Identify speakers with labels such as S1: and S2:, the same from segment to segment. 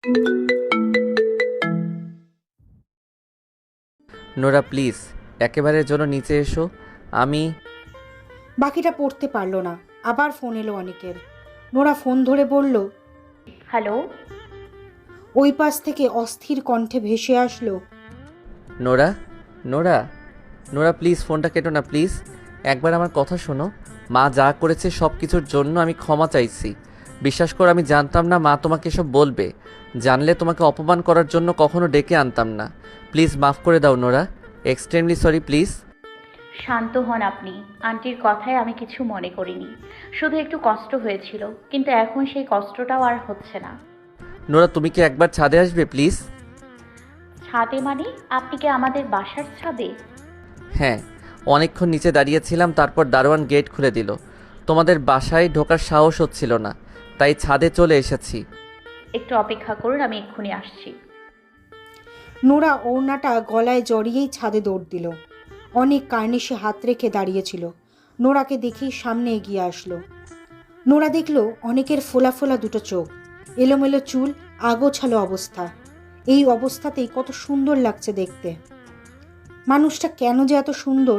S1: Nora please একেবারের জন্য নিচে এসো। আমি
S2: বাকিটা পড়তে পারল না। আবার ফোন এলো অনেকের। নোরা ফোন ধরে বলল,
S3: হ্যালো।
S2: ওই পাশ থেকে অস্থির কণ্ঠে ভেসে আসলো,
S1: নোরা নোরা নোরা প্লিজ ফোনটা কেটো না প্লিজ। একবার আমার কথা শোনো। মা যা করেছে সব কিছুর জন্য আমি ক্ষমা চাইছি। বিশ্বাস করো আমি জানতাম না মা তোমাকে এসব বলবে। জানলে তোমাকে অপমান করার জন্য কখনো ডেকে আনতাম না। প্লিজ মাফ করে দাও নোরা, এক্সট্রিমলি সরি প্লিজ।
S3: শান্ত হন আপনি। আন্টির কথায় আমি কিছু মনে করিনি, শুধু একটু কষ্ট হয়েছিল, কিন্তু এখন সেই কষ্টটাও আর হচ্ছে না।
S1: নোরা তুমি কি একবার ছাদে আসবে প্লিজ?
S3: ছাদে মানে? আপনি কি আমাদের বাসার ছাদে?
S1: হ্যাঁ, অনেকক্ষণ নিচে দাঁড়িয়েছিলাম, তারপর দারোয়ান গেট খুলে দিল। তোমাদের বাসায় ঢোকার সাহস হচ্ছিল না, তাই ছাদে চলে এসেছি।
S3: একটু অপেক্ষা করুন, আমি এক্ষুনি আসছি।
S2: নোরা ওড়নাটা গলায় জড়িয়েই ছাদে দৌড় দিল। অনেক কার্নিশে হাত রেখে দাঁড়িয়েছিল। নোরাকে দেখেই সামনে এগিয়ে আসলো। নোরা দেখল অনেকের ফোলা ফোলা দুটো চোখ, এলোমেলো চুল, আগোছালো অবস্থা। এই অবস্থাতেই কত সুন্দর লাগছে দেখতে। মানুষটা কেন যে এত সুন্দর।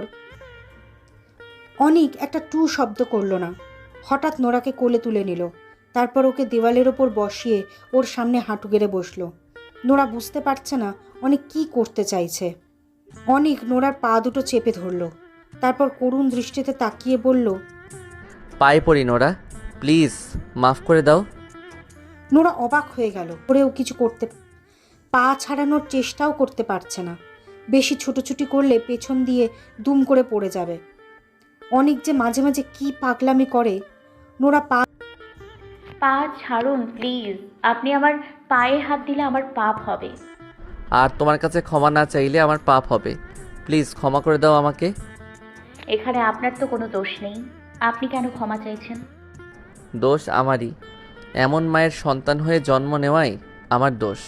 S2: অনিক একটা টু শব্দ করল না। হঠাৎ নোরাকে কোলে তুলে নিল। তারপর ওকে দেওয়ালের ওপর বসিয়ে ওর সামনে হাঁটু গেড়ে বসলো। নোরা বুঝতে পারছে না অনিক কি করতে চাইছে। অনিক নোরার পা দুটো চেপে ধরল। তারপর করুণ দৃষ্টিতে তাকিয়ে বলল,
S1: পায়ে পড়ি নোরা, প্লিজ মাফ করে দাও।
S2: নোরা অবাক হয়ে গেল। করেও কিছু করতে, পা ছাড়ানোর চেষ্টাও করতে পারছে না। বেশি ছুটোছুটি করলে পেছন দিয়ে দুম করে পড়ে যাবে। অনিক যে মাঝে মাঝে কি পাগলামি করে। নোরা পা
S3: পা ছাড়ুন প্লিজ। আপনি আমার পায়ে হাত দিলে আমার পাপ হবে।
S1: আর তোমার কাছে ক্ষমা না চাইলে আমার পাপ হবে। প্লিজ ক্ষমা করে দাও আমাকে।
S3: এখানে আপনার তো কোনো দোষ নেই, আপনি কেন ক্ষমা চাইছেন?
S1: দোষ আমারই, এমন মায়ের সন্তান হয়ে জন্ম নেওয়াই আমার দোষ।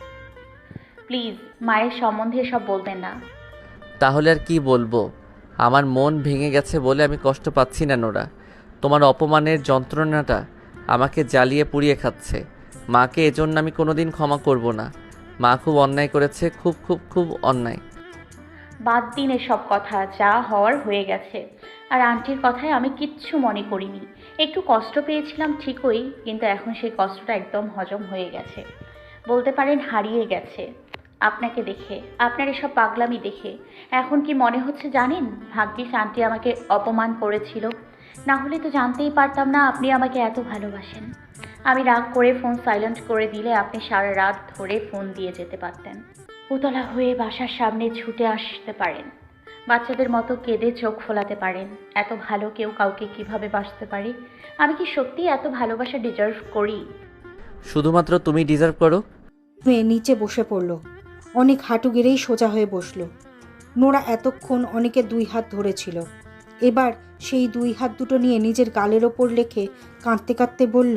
S3: প্লিজ মায়ের সম্বন্ধে সব বলবেন না।
S1: তাহলে আর কি বলবো? আমার মন ভেঙে গেছে বলে আমি কষ্ট পাচ্ছি না নোরা। তোমার অপমানের যন্ত্রণাটা আমাকে জ্বালিয়ে পুড়িয়ে খাচ্ছে। মাকে এজন্য আমি কোনোদিন ক্ষমা করব না। মা খুব অন্যায় করেছে, খুব খুব খুব অন্যায়।
S3: বাদ দিন এসব কথা, যা হওয়ার হয়ে গেছে। আর আন্টির কথায় আমি কিচ্ছু মনে করিনি। একটু কষ্ট পেয়েছিলাম ঠিকই, কিন্তু এখন সেই কষ্টটা একদম হজম হয়ে গেছে, বলতে পারেন হারিয়ে গেছে। আপনাকে দেখে, আপনার এসব পাগলামি দেখে এখন কি মনে হচ্ছে জানেন? ভাগ্যিস আন্টি আমাকে অপমান করেছিল, না হলে তো জানতেই পারতাম না আপনি আমাকে এত ভালোবাসেন। আমি রাগ করে ফোন সাইলেন্ট করে দিলে আপনি সারা রাত ধরে ফোন দিয়ে যেতে পারতেন। উতলা হয়ে বাসার সামনে ছুটে আসতে পারেন, বাচ্চাদের মতো কেঁদে চোখ ফোলাতে পারেন। এত ভালো কেউ কাউকে কিভাবে বাসতে পারে? আমি কি সত্যি এত ভালোবাসা ডিজার্ভ করি?
S1: শুধুমাত্র তুমি ডিজার্ভ করো।
S2: মেয়ে নিচে বসে পড়ল। অনেক হাঁটু গেড়েই সোজা হয়ে বসল। নোরা এতক্ষণ অনেকের দুই হাত ধরেছিল। এবার সেই দুই হাত দুটো নিয়ে নিজের গালের ওপর রেখে কাঁদতে কাঁদতে বলল,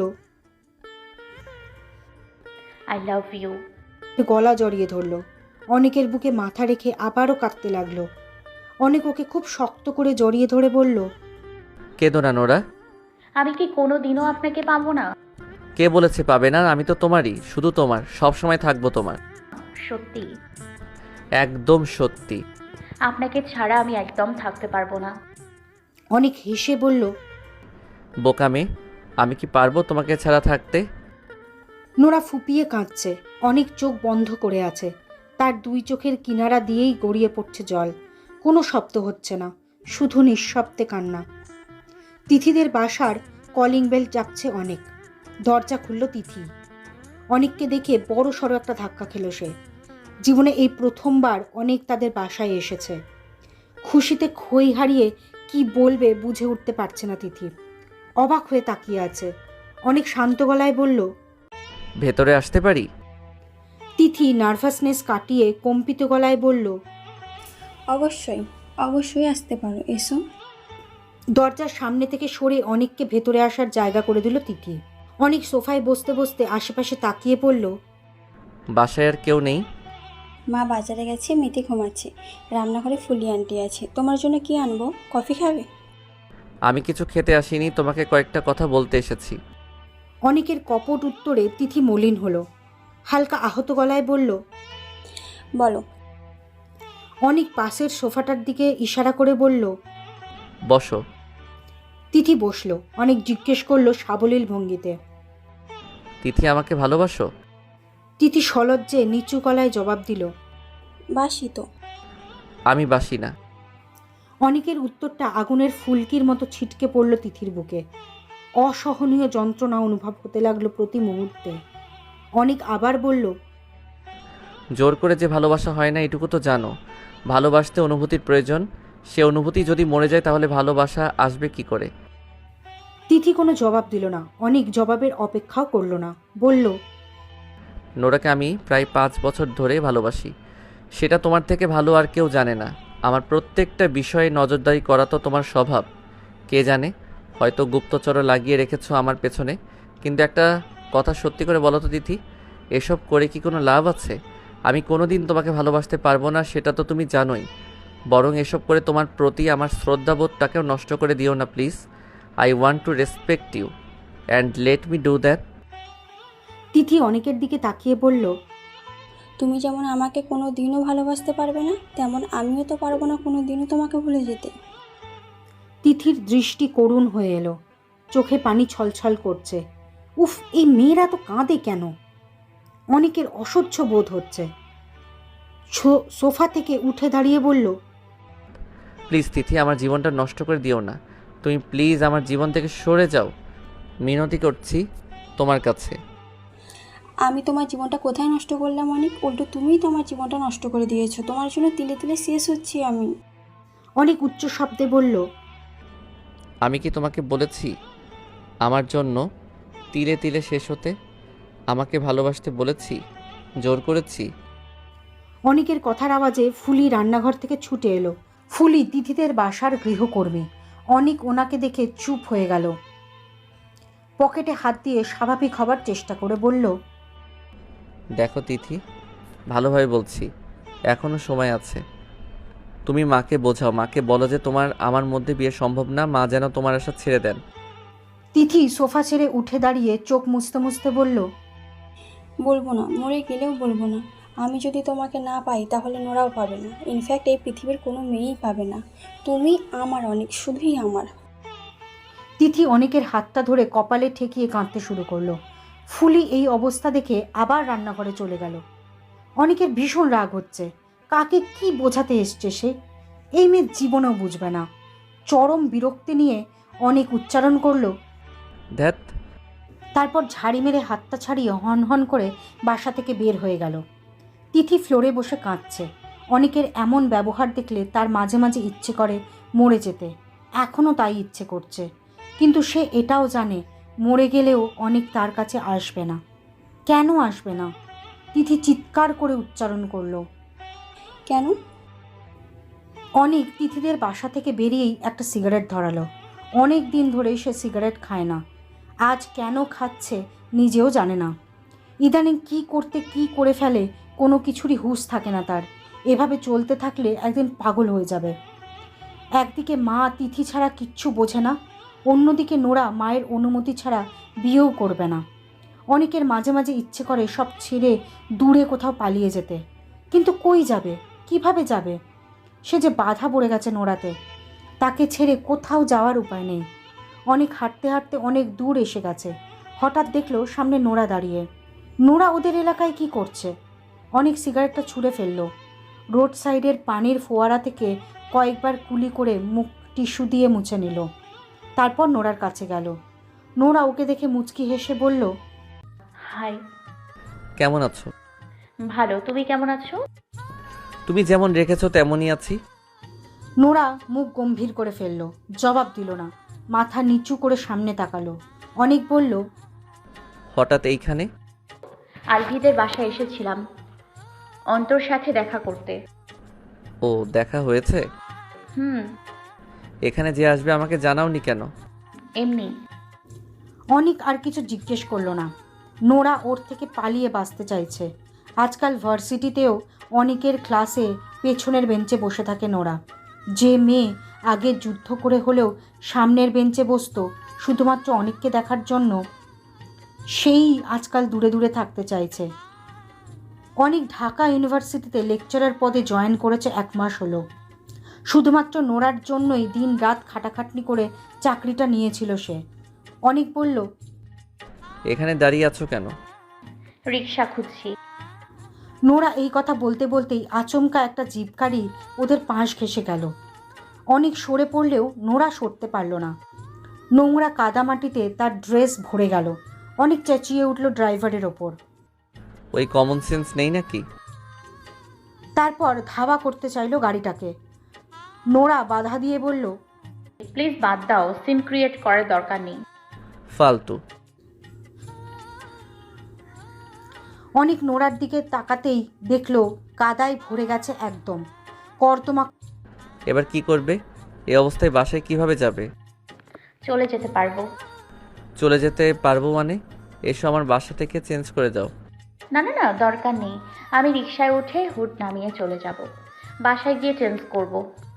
S3: আই লাভ ইউ।
S2: গলা জড়িয়ে ধরল। অনেকের বুকে মাথা রেখে আবারও কাঁদতে লাগলো। অনেক ওকে খুব শক্ত করে জড়িয়ে ধরে বলল,
S1: কেঁদো না নোরা।
S3: আমি কি কোনো দিনও আপনাকে পাবো না?
S1: কে বলেছে পাবে না? আমি তো তোমারই, শুধু তোমার, সব সময় থাকবো তোমার।
S3: সত্যি?
S1: একদম সত্যি।
S3: আপনাকে ছাড়া আমি একদম থাকতে পারবো না।
S2: অনেক হেসে বলল,
S1: বোকা মেয়ে, আমি কি পারবো তোমাকে ছাড়া থাকতে?
S2: নোরা ফুপিয়ে কাঁদছে। অনেক চোখ বন্ধ করে আছে। তার দুই চোখের কিনারা দিয়েই গড়িয়ে পড়ছে জল। কোনো শব্দ হচ্ছে না, শুধু নিঃশব্দে কান্না। তিথিদের বাসার কলিং বেল চাপছে অনেক। দরজা খুলল তিথি। অনেককে দেখে বড় সড়ো একটা ধাক্কা খেল সে। জীবনে এই প্রথমবার অনেক তাদের বাসায় এসেছে। খুশিতে খই হারিয়ে কি বলবে বুঝে উঠতে পারছে না তিথি। অবাক হয়ে তাকিয়ে আছে। অনেক শান্ত গলায় বলল,
S1: ভেতরে আসতে পারি?
S2: তিথি নার্ভাসনেস কাটিয়ে কম্পিত গলায় বলল,
S4: অবশ্যই, অবশ্যই আসতে পারো, এসো।
S2: দরজার সামনে থেকে সরে অনেককে ভেতরে আসার জায়গা করে দিল তিথি। অনেক সোফায় বসতে বসতে আশেপাশে তাকিয়ে পড়ল।
S1: বাসায় আর কেউ নেই?
S4: মা বাজারে গেছে, মেয়েটি ঘুমাচ্ছে। রান্নাঘরে ফুলি আন্টি আছে। তোমার জন্য কি আনবো? কফি খাবে?
S1: আমি কিছু খেতে আসিনি, তোমাকে কয়েকটা কথা বলতে এসেছি।
S2: অনেকের কপট উত্তরে তিথি মলিন হলো। হালকা আহত গলায় বলল।
S4: বলো।
S2: অনেক পাশের সোফাটার দিকে ইশারা করে বলল।
S1: বসো।
S2: তিথি বসলো। অনেক জিজ্ঞেস করলো সাবলীল ভঙ্গিতে।
S1: তিথি, আমাকে ভালোবাসো?
S2: তিথি সলজ্জে নিচু গলায় জবাব দিল।
S4: বাসি তো।
S1: আমি বাসি না।
S2: অনেকের উত্তরটা আগুনের ফুলকির মতো ছিটকে পড়ল তিথির বুকে। অসহনীয় যন্ত্রণা অনুভব হতে লাগলো প্রতি মুহূর্তে। অনেক আবার বলল।
S1: জোর করে যে ভালোবাসা হয় না এটুকু তো জানো। ভালোবাসতে অনুভূতির প্রয়োজন। সে অনুভূতি যদি মরে যায় তাহলে ভালোবাসা আসবে কি করে?
S2: তিথি কোনো জবাব দিল না। অনেক জবাবের অপেক্ষাও করল না। বলল।
S1: নোরাকে আমি প্রায় 5 বছর ধরে ভালোবাসি। সেটা তোমার থেকে ভালো আর কেউ জানে না। আমার প্রত্যেকটা বিষয়ে নজরদারি করা তো তোমার স্বভাব। কে জানে, হয়তো গুপ্তচর লাগিয়ে রেখেছো আমার পেছনে। কিন্তু একটা কথা সত্যি করে বলো তো তিথি, এসব করে কি কোনো লাভ আছে? আমি কোনোদিন তোমাকে ভালোবাসতে পারবো না, সেটা তো তুমি জানোই। বরং এসব করে তোমার প্রতি আমার শ্রদ্ধাবোধটাকেও নষ্ট করে দিও না please. I want to respect you and let me do that.
S2: তিথি অনেকের দিকে তাকিয়ে বলল।
S4: তুমি যেমন আমাকে কোনো দিনও ভালোবাসতে পারবে না, তেমন আমিও তো পারবো না কোনো দিনও তোমাকে ভুলে যেতে।
S2: তিথির দৃষ্টি করুণ হয়ে এলো। চোখে পানি ছলছল করছে। উফ, এই মেয়েরা তো কাঁদে কেন? অনেকের অসহ্য বোধ হচ্ছে। সোফা থেকে উঠে দাঁড়িয়ে বলল।
S1: প্লিজ তিথি, আমার জীবনটা নষ্ট করে দিও না। তুমি প্লিজ আমার জীবন থেকে সরে যাও। মিনতি করছি তোমার কাছে।
S4: আমি তোমার জীবনটা কোথায় নষ্ট করলাম অনেক? উল্টো তুমিই তো আমার জীবনটা নষ্ট করে দিয়েছো। তোমার জন্য তিলে তিলে শেষ হচ্ছি আমি।
S2: অনেক উচ্চ শব্দে বলল।
S1: আমি কি তোমাকে বলেছি আমার জন্য তিলে তিলে শেষ হতে? আমাকে ভালোবাসতে বলেছি? জোর করেছি?
S2: অনেকের কথার আওয়াজে ফুলি রান্নাঘর থেকে ছুটে এলো। ফুলি তিথিদের বাসার গৃহকর্মী। অনেক ওনাকে দেখে চুপ হয়ে গেল। পকেটে হাত দিয়ে স্বাভাবিক হবার চেষ্টা করে বলল।
S1: দেখো তিথি, ভালোভাবে বলছি, এখনো সময় আছে। তুমি মাকে বোঝাও, মাকে বলো যে তোমার আমার মধ্যে বিয়ে সম্ভব না, মা যেন তোমার আশা ছেড়ে দেন।
S2: তিথি সোফা ছেড়ে উঠে দাঁড়িয়ে চোখ মুছতে মুছতে বলল।
S4: বলবো না, মরে গেলেও বলবো না। আমি যদি তোমাকে না পাই তাহলে নোরাও পাবে না। ইনফ্যাক্ট এই পৃথিবীর কোনো মেয়েই পাবে না। তুমি আমার অনেক, শুধুই আমার।
S2: তিথি অনেকের হাতটা ধরে কপালে ঠেকিয়ে কাঁদতে শুরু করলো। ফুলি এই অবস্থা দেখে আবার রান্নাঘরে চলে গেল। অনেকের ভীষণ রাগ হচ্ছে। কাকে কি বোঝাতে এসছে সে? এই মেয়ে জীবনেও বুঝবে না। চরম বিরক্তি নিয়ে অনেক উচ্চারণ করলো।
S1: ধ্যাত।
S2: তারপর ঝাড়ি মেরে হাতটা ছাড়িয়ে হন হন করে বাসা থেকে বের হয়ে গেল। তিথি ফ্লোরে বসে কাঁদছে। অনেকের এমন ব্যবহার দেখলে তার মাঝে মাঝে ইচ্ছে করে মরে যেতে। এখনও তাই ইচ্ছে করছে। কিন্তু সে এটাও জানে মরে গেলেও অনেক তার কাছে আসবে না। কেন আসবে না? তিথি চিৎকার করে উচ্চারণ করলো।
S4: কেন?
S2: অনেক তিথিদের বাসা থেকে বেরিয়েই একটা সিগারেট ধরালো। অনেক দিন ধরেই সে সিগারেট খায় না। আজ কেন খাচ্ছে নিজেও জানে না। ইদানিং কি করতে কি করে ফেলে কোনো কিছুরই হুঁশ থাকে না তার। এভাবে চলতে থাকলে একদিন পাগল হয়ে যাবে। একদিকে মা তিথি ছাড়া কিচ্ছু বোঝে না, অন্যদিকে নোরা মায়ের অনুমতি ছাড়া বিয়েও করবে না। অনেকের মাঝে মাঝে ইচ্ছে করে সব ছেড়ে দূরে কোথাও পালিয়ে যেতে। কিন্তু কই যাবে? কিভাবে যাবে? সে যে বাধা পড়ে গেছে নোরাতে। তাকে ছেড়ে কোথাও যাওয়ার উপায় নেই। অনেক হাঁটতে হাঁটতে অনেক দূর এসে গেছে। হঠাৎ দেখলো সামনে নোরা দাঁড়িয়ে। নোরা ওদের এলাকায় কি করছে? অনেক সিগারেটটা ছুঁড়ে ফেললো। রোড সাইডের পানির ফোয়ারা থেকে কয়েকবার কুলি করে মুখ টিস্যু দিয়ে মুছে নিল। তারপর নোরার কাছে গেল। নোরা ওকে দেখে মুচকি হেসে বলল।
S3: হাই।
S1: কেমন আছো?
S3: ভালো, তুমি কেমন আছো?
S1: তুমি যেমন রেখেছো তেমনই আছি।
S2: নোরা মুখ গম্ভীর করে ফেলল। জবাব দিল না। মাথা নিচু করে সামনে তাকালো। অনেক বলল।
S1: হঠাৎ এইখানে?
S3: আলভিদের বাসায় এসেছিলাম অন্তর সাথে দেখা করতে।
S1: ও, দেখা হয়েছে?
S3: হুম।
S1: এখানে যে আসবে আমাকে জানাওনি কেন?
S3: এমনি।
S2: অনেক আর কিছু জিজ্ঞেস করলো না। নোরা ওর থেকে পালিয়ে বাঁচতে চাইছে। আজকাল ভার্সিটিতেও অনেকের ক্লাসে পেছনের বেঞ্চে বসে থাকে নোরা। যে মেয়ে আগে যুদ্ধ করে হলেও সামনের বেঞ্চে বসতো শুধুমাত্র অনেককে দেখার জন্য, সেই আজকাল দূরে দূরে থাকতে চাইছে। অনেক ঢাকা ইউনিভার্সিটিতে লেকচারার পদে জয়েন করেছে 1 মাস হলো। শুধুমাত্র নোরার জন্যই দিন রাত খাটাখাটনি করে চাকরিটা নিয়েছিল সে। অনেক বলল,
S1: এখানে দাঁড়িয়ে আছো কেন?
S3: রিক্সা খুঁজছি।
S2: নোরা এই কথা বলতে বলতেই আচমকা একটা জিপ গাড়ি ওদের পাশ ঘেঁষে গেল। অনেক সরে পড়লেও নোরা সরতে পারল না। নোংরা কাদামাটিতে তার ড্রেস ভরে গেল। অনেক চেঁচিয়ে উঠল ড্রাইভারের ওপর।
S1: ওই কমন সেন্স নেই নাকি?
S2: তারপর ধাওয়া করতে চাইল গাড়িটাকে। নোরা বাধা দিয়ে বলল,
S3: প্লিজ বাদ দাও, সিন ক্রিয়েট করার দরকার নেই।
S1: ফালতু।
S2: অনেক নোরার দিকে তাকাতেই দেখলো কাদায় ভরে গেছে একদম। কর্দমা।
S1: এবার কি করবে? এই অবস্থায় বাসায় কিভাবে যাবে?
S3: চলে যেতে পারবো।
S1: চলে যেতে পারবো মানে? এসো আমার বাসা থেকে চেঞ্জ করে যাও।
S3: না না না, দরকার নেই। আমি রিক্সায় উঠে হুড নামিয়ে চলে যাব। বাসায় গিয়ে চেঞ্জ করব।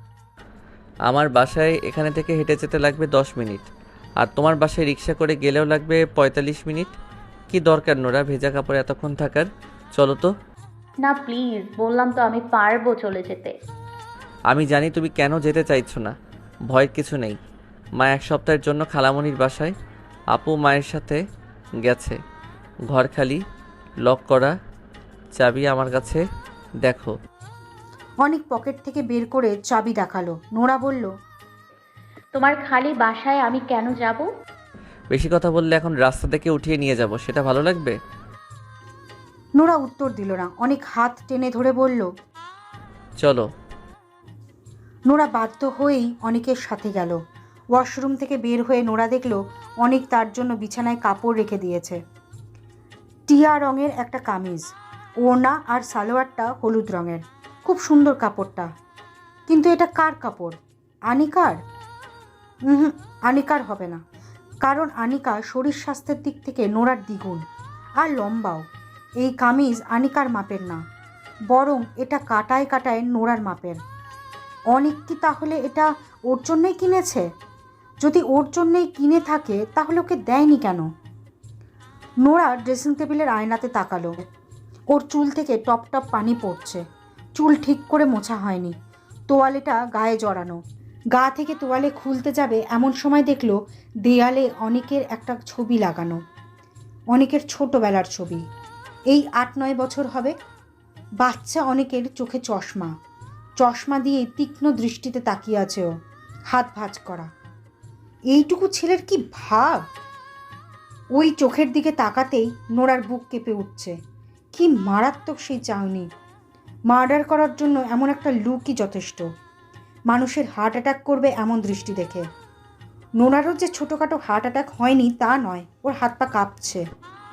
S1: আমার বাসায় এখানে থেকে হেঁটে যেতে লাগবে 10 মিনিট, আর তোমার বাসায় রিক্সা করে গেলেও লাগবে 45 মিনিট। কি দরকার নোরা ভেজা কাপড়ে এতক্ষণ থাকার? চলো তো।
S3: না প্লিজ, বললাম তো আমি পারবো চলে যেতে।
S1: আমি জানি তুমি কেন যেতে চাইছো না। ভয়ের কিছু নেই। মা 1 সপ্তাহের জন্য খালামণির বাসায়। আপু মায়ের সাথে গেছে। ঘর খালি, লক করা, চাবি আমার কাছে। দেখো।
S2: অনেক পকেট থেকে বের করে চাবি দেখালো। নোরা বলল,
S3: তোমার খালি বাসায় আমি কেন যাব?
S1: বেশি কথা বললে এখন রাস্তা থেকে উঠিয়ে নিয়ে যাব, সেটা ভালো লাগবে?
S2: নোরা উত্তর দিল না। অনেক হাত টেনে ধরে বলল,
S1: চলো।
S2: নোরা বাধ্য হয়েই অনেকের সাথে গেল। ওয়াশরুম থেকে বের হয়ে নোরা দেখল অনেক তার জন্য বিছানায় কাপড় রেখে দিয়েছে। টিয়া রঙের একটা কামিজ, ওড়না আর সালোয়ারটা হলুদ রঙের। খুব সুন্দর কাপড়টা। কিন্তু এটা কার কাপড়? আনিকার? আনিকার হবে না, কারণ আনিকা শরীর স্বাস্থ্যের দিক থেকে নোরার দ্বিগুণ, আর লম্বাও। এই কামিজ আনিকার মাপের না, বরং এটা কাটায় কাটায় নোরার মাপের। অনেক কি তাহলে এটা ওর জন্যই কিনেছে? যদি ওর জন্যই কিনে থাকে তাহলে ওকে দেয়নি কেন? নোরা ড্রেসিং টেবিলের আয়নাতে তাকালো। ওর চুল থেকে টপ টপ পানি পড়ছে। চুল ঠিক করে মোছা হয়নি, তোয়ালেটা গায়ে জড়ানো। গা থেকে তোয়ালে খুলতে যাবে এমন সময় দেখলো দেয়ালে অনেকের একটা ছবি লাগানো। অনেকের ছোটোবেলার ছবি। এই 8-9 বছর হবে। বাচ্চা অনেকের চোখে চশমা। চশমা দিয়ে তীক্ষ্ণ দৃষ্টিতে তাকিয়ে আছে ও, হাত ভাঁজ করা। এইটুকু ছেলের কি ভাব! ওই চোখের দিকে তাকাতেই নোরার বুক কেঁপে উঠছে। কি মারাত্মক সেই চাউনি! মার্ডার করার জন্য এমন একটা লুকই যথেষ্ট। মানুষের হার্ট অ্যাটাক করবে এমন দৃষ্টি দেখে। নোরারও যে ছোটোখাটো হার্ট অ্যাটাক হয়নি তা নয়, ওর হাত পা কাঁপছে।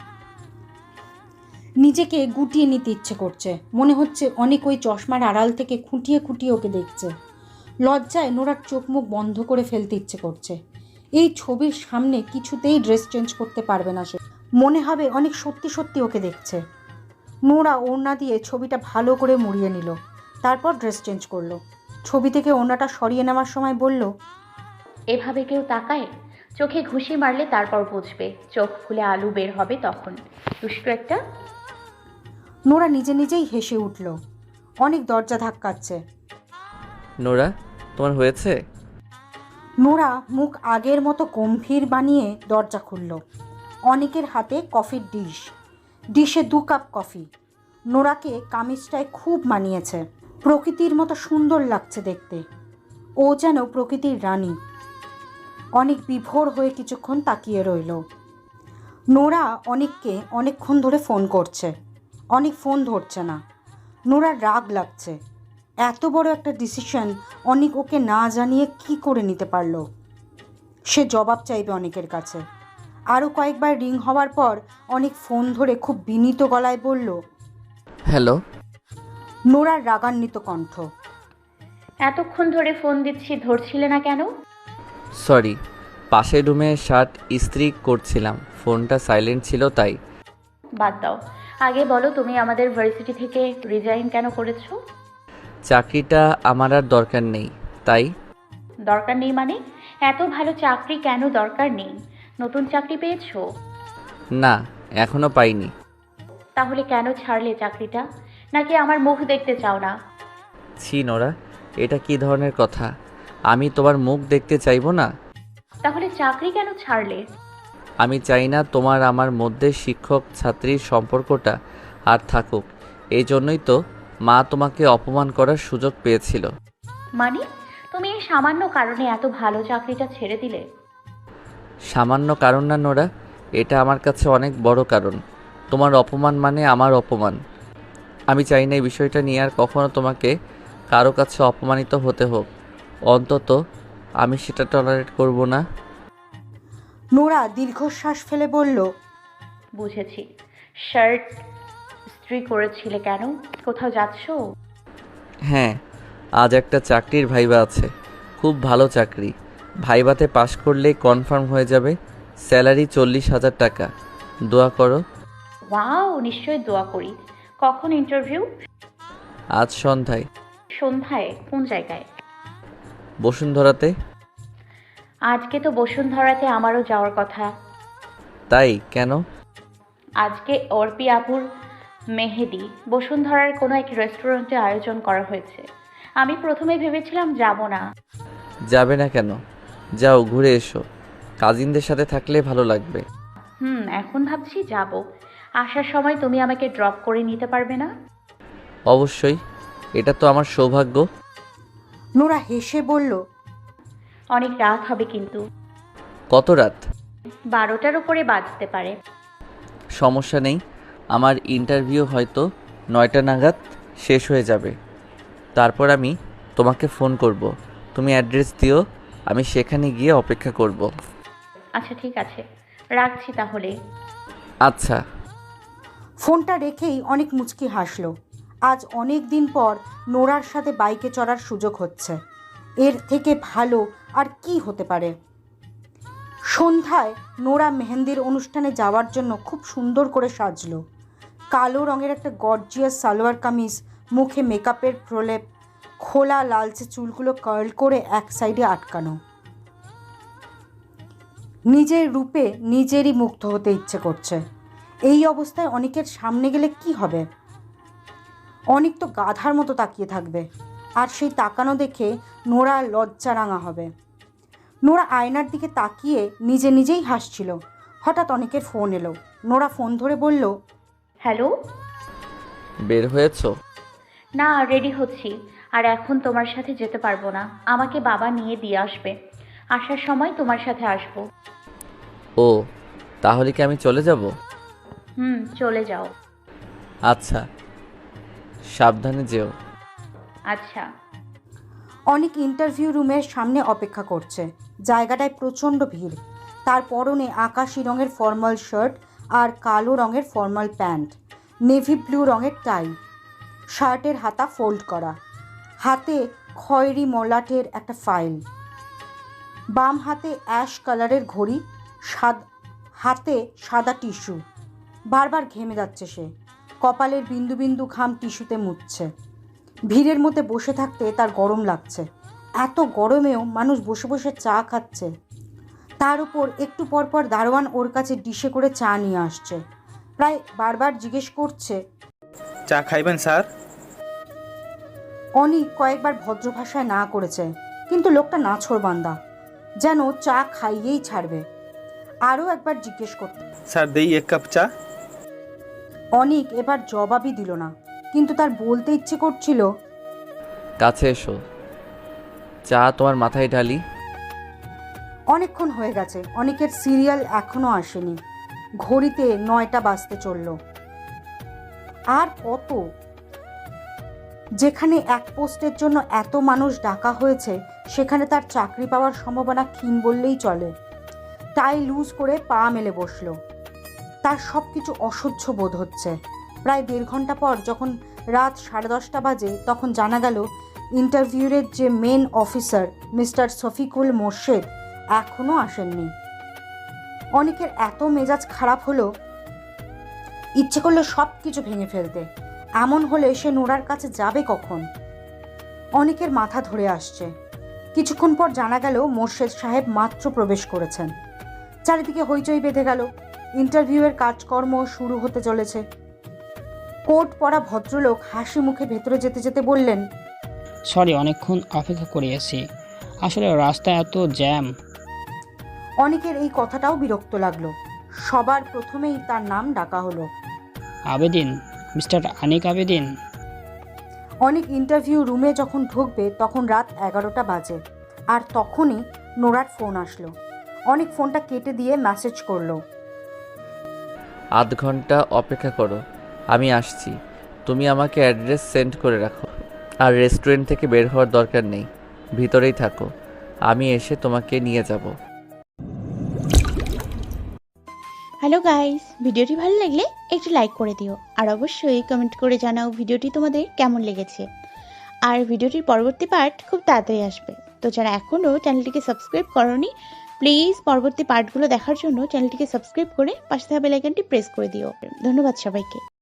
S2: নিজেকে গুটিয়ে নিতে ইচ্ছে করছে। মনে হচ্ছে অনেক ওই চশমার আড়াল থেকে খুঁটিয়ে খুঁটিয়ে ওকে দেখছে। লজ্জায় নোরার চোখ মুখ বন্ধ করে ফেলতে ইচ্ছে করছে। এই ছবির সামনে কিছুতেই ড্রেস চেঞ্জ করতে পারবে না সে। মনে হবে অনেক সত্যি সত্যি ওকে দেখছে। নোরা ওড়না দিয়ে ছবিটা ভালো করে মুড়িয়ে নিল, তারপর ড্রেস চেঞ্জ করলো। ছবি থেকে ওড়নাটা সরিয়ে নেওয়ার সময় বলল,
S3: এভাবে কেউ তাকায়? চোখে ঘুষি মারলে তারপর বুঝবে। চোখ খুলে আলু বের হবে তখন। দুষ্টু একটা।
S2: নোরা নিজে নিজেই হেসে উঠল। অনেক দরজা ধাক্কাচ্ছে।
S1: নোরা, তোমার হয়েছে?
S2: নোরা মুখ আগের মতো গম্ভীর বানিয়ে দরজা খুলল। অনেকের হাতে কফির ডিশে 2 কাপ কফি। নোরাকে কামিজটায় খুব মানিয়েছে। প্রকৃতির মতো সুন্দর লাগছে দেখতে। ও যেন প্রকৃতির রানী। অনেক বিভোর হয়ে কিছুক্ষণ তাকিয়ে রইল। নোরা অনেককে অনেকক্ষণ ধরে ফোন করছে। অনেক ফোন ধরছে না। নোরার রাগ লাগছে। এত বড় একটা ডিসিশন অনেক ওকে না জানিয়ে কি করে নিতে পারলো। সে জবাব চাইবে অনেকের কাছে। আরও কয়েকবার রিং হওয়ার পর অনেক ফোন ধরে খুব বিনীত গলায় বলল,
S1: হ্যালো।
S2: নোরার রাগান্বিত কণ্ঠ।
S3: এতক্ষণ ধরে ফোন দিচ্ছি, ধরছিলে না কেন?
S1: সরি, পাশের রুমে শার্ট ইস্ত্রি করছিলাম, ফোনটা সাইলেন্ট ছিল তাই।
S3: বাদ দাও। আগে বলো, তুমি আমাদের ভার্সিটি থেকে রিজাইন কেন করেছো?
S1: চাকরিটা আমার আর দরকার নেই তাই।
S3: দরকার নেই মানে? এত ভালো চাকরি কেন দরকার নেই? নতুন চাকরি পেয়েছো?
S1: না, এখনো পাইনি।
S3: তাহলে কেন ছাড়লে চাকরিটা? নাকি আমার মুখ দেখতে চাও না?
S1: ছি নোরা, এটা কি ধরনের কথা? আমি তোমার মুখ দেখতে চাইবো না?
S3: তাহলে চাকরি কেন ছাড়লে?
S1: আমি চাই না তোমার আমার মধ্যে শিক্ষক ছাত্রীর সম্পর্কটা আর থাকুক। এই জন্যই তো মা তোমাকে অপমান করার সুযোগ পেয়েছিল।
S3: মানে তুমি এই সামান্য কারণে এত ভালো চাকরিটা ছেড়ে দিলে?
S1: সামান্য কারণ না নোরা, এটা আমার কাছে অনেক বড় কারণ। তোমার অপমান মানে আমার অপমান। আমি চাই না এই বিষয়টা নিয়ে আর কখনো তোমাকে কারো কাছে অপমানিত হতে হোক। অন্তত আমি সেটা টলারেট করব না।
S2: নোরা দীর্ঘশ্বাস ফেলে বলল,
S3: বুঝেছি। শার্ট ইস্ত্রি করেছিলে কেন? কোথাও যাচ্ছো?
S1: হ্যাঁ, আজ একটা চাকরির ভাইবা আছে, খুব ভালো চাকরি। ভাইবাতে পাশ করলেই কনফার্ম হয়ে যাবে। স্যালারি 40,000 টাকা। দোয়া করো।
S3: ওয়াও, নিশ্চয়ই দোয়া করি। কখন ইন্টারভিউ?
S1: আজ সন্ধ্যায়।
S3: সন্ধ্যায়? কোন জায়গায়?
S1: বসুন্ধরাতে।
S3: আজকে তো বসুন্ধরাতে আমারও যাওয়ার কথা।
S1: তাই কেন?
S3: আজকে অর্পি আপুর মেহেদি বসুন্ধরার কোনো এক রেস্টুরেন্টে আয়োজন করা হয়েছে। আমি প্রথমে ভেবেছিলাম যাব না।
S1: যাবে না কেন? যাও, ঘুরে এসো। কাজিনদের সাথে থাকলে ভালো লাগবে।
S3: এখন ভাবছি যাব। আসার সময় তুমি আমাকে ড্রপ করে নিতে পারবে না?
S1: অবশ্যই, এটা তো আমার সৌভাগ্য।
S2: নোরা হেসে বলল,
S3: অনেক রাত হবে কিন্তু।
S1: কত রাত?
S3: 12টার উপরে বাজতে পারে।
S1: সমস্যা নেই, আমার ইন্টারভিউ হয়তো 9টা নাগাদ শেষ হয়ে যাবে। তারপর আমি তোমাকে ফোন করব। তুমি অ্যাড্রেস দিও, আমি সেখানে গিয়ে অপেক্ষা করব।
S3: আচ্ছা ঠিক আছে, রাখছি তাহলে।
S1: আচ্ছা।
S2: ফোনটা রেখেই অনেক মুচকি হাসল। আজ অনেক দিন পর নোরার সাথে বাইকে চড়ার সুযোগ হচ্ছে। এর থেকে ভালো আর কি হতে পারে? সন্ধ্যায় নোরা মেহেন্দির অনুষ্ঠানে যাওয়ার জন্য খুব সুন্দর করে সাজলো। কালো রঙের একটা গর্জিয়াস সালোয়ার কামিজ, মুখে মেকআপের প্রলেপ, খোলা লালচে চুলগুলো কার্ল করে এক সাইডে আটকানো। নিজের রূপে নিজেরই মুগ্ধ হতে ইচ্ছে করছে। এই অবস্থায় অনেকের সামনে গেলে কি হবে? অনেক তো গাধার মতো তাকিয়ে থাকবে, আর সেই তাকানো দেখে নোরা লজ্জারাঙা হবে। নোরা আয়নার দিকে তাকিয়ে নিজে নিজেই হাসছিল। হঠাৎ অনেকের ফোন এলো। নোরা ফোন ধরে বলল,
S3: হ্যালো।
S1: বের হয়েছো?
S3: না, রেডি হচ্ছি। আর এখন তোমার সাথে যেতে পারবো না। আমাকে বাবা নিয়ে দিয়ে আসবে। আসার সময় তোমার সাথে আসবো।
S1: ও, তাহলে কি আমি চলে যাব?
S3: চলে যাও।
S1: আচ্ছা, সাবধানে যেও।
S3: আচ্ছা।
S2: অনেক ইন্টারভিউ রুমের সামনে অপেক্ষা করছে। জায়গাটায় প্রচণ্ড ভিড়। তার পরনে আকাশি রঙের ফর্মাল শার্ট আর কালো রঙের ফর্মাল প্যান্ট, নেভি ব্লু রঙের টাই, শার্টের হাতা ফোল্ড করা, হাতে খয়েরি মলাটের একটা ফাইল, বাম হাতে অ্যাশ কালারের ঘড়ি, হাতে সাদা টিস্যু। বারবার ঘেমে যাচ্ছে সে। কপালের বিন্দু বিন্দু ঘাম টিস্যুতে মুছছে। ভিড়ের মধ্যে বসে থাকতে তার গরম লাগছে। এত গরমেও মানুষ বসে বসে চা খাচ্ছে। তার উপর একটু পরপর দারোয়ান ওর কাছে ডিশে করে চা নিয়ে আসছে। প্রায় বারবার জিজ্ঞেস করছে,
S5: চা খাইবেন স্যার?
S2: অনি কয়েকবার ভদ্র ভাষায় না করেছে, কিন্তু লোকটা নাছোড়বান্দা, যেন চা খাইয়েই ছাড়বে। আরও একবার জিজ্ঞেস করতে।
S5: স্যার দেই এক কাপ চা?
S2: অনিক এবার জবাবই দিল না, কিন্তু তার বলতে ইচ্ছে করছিল,
S1: কাছে এসো, চা তোমার মাথায় ঢালি।
S2: অনেকক্ষণ হয়ে গেছে, অনেকের সিরিয়াল এখনো আসেনি। ঘড়িতে 9টা বাজতে চলল। আর কত? যেখানে এক পোস্টের জন্য এত মানুষ ডাকা হয়েছে, সেখানে তার চাকরি পাওয়ার সম্ভাবনা ক্ষীণ বললেই চলে। টাই লুজ করে পা মেলে বসলো। তার সব কিছু অসহ্য বোধ হচ্ছে। প্রায় 1.5 ঘন্টা পর যখন রাত 10:30 বাজে, তখন জানা গেল ইন্টারভিউয়ের যে main officer mister Shafiqul Morshed এখনও আসেননি। অনেকের এত মেজাজ খারাপ হলো, ইচ্ছে করলো সব কিছু ভেঙে ফেলতে। এমন হলে সে নোরার কাছে যাবে কখন? অনেকের মাথা ধরে আসছে। কিছুক্ষণ পর জানা গেল মোর্শেদ সাহেব মাত্র প্রবেশ করেছেন। চারিদিকে হইচই বেঁধে গেল। ইন্টারভিউয়ের কাজকর্ম শুরু হতে চলেছে। কোট পরা ভদ্রলোক হাসি মুখে ভেতরে যেতে যেতে বললেন,
S6: সরি, অনেকক্ষণ অপেক্ষা করিয়েছি। আসলে রাস্তায় এত জ্যাম।
S2: অনেকের এই কথাটাও বিরক্ত লাগলো। সবার প্রথমেই তার নাম ডাকা হলো।
S6: আবেদিন, মিস্টার আনিক আবেদিন।
S2: অনেক ইন্টারভিউ রুমে যখন ঢুকবে তখন রাত 11টা বাজে। আর তখনই নোরার ফোন আসলো। অনেক ফোনটা কেটে দিয়ে মেসেজ করলো,
S1: আধ ঘন্টা অপেক্ষা করো, আমি আসছি। তুমি আমাকে অ্যাড্রেস সেন্ড করে রাখো। আর রেস্টুরেন্ট থেকে বের হওয়ার দরকার নেই, ভিতরেই থাকো, আমি এসে তোমাকে নিয়ে যাব।
S7: হ্যালো গাইস, ভিডিওটি ভালো লাগলে একটু লাইক করে দিও আর অবশ্যই কমেন্ট করে জানাও ভিডিওটি তোমাদের কেমন লেগেছে। আর ভিডিওটির পরবর্তী পার্ট খুব তাড়াতাড়ি আসবে, তো যারা এখনও চ্যানেলটিকে সাবস্ক্রাইব করোনি প্লিজ পরবর্তী পার্টগুলো দেখার জন্য চ্যানেলটিকে সাবস্ক্রাইব করে পাশে থাকা বেল আইকনটি প্রেস করে দিও। ধন্যবাদ সবাইকে।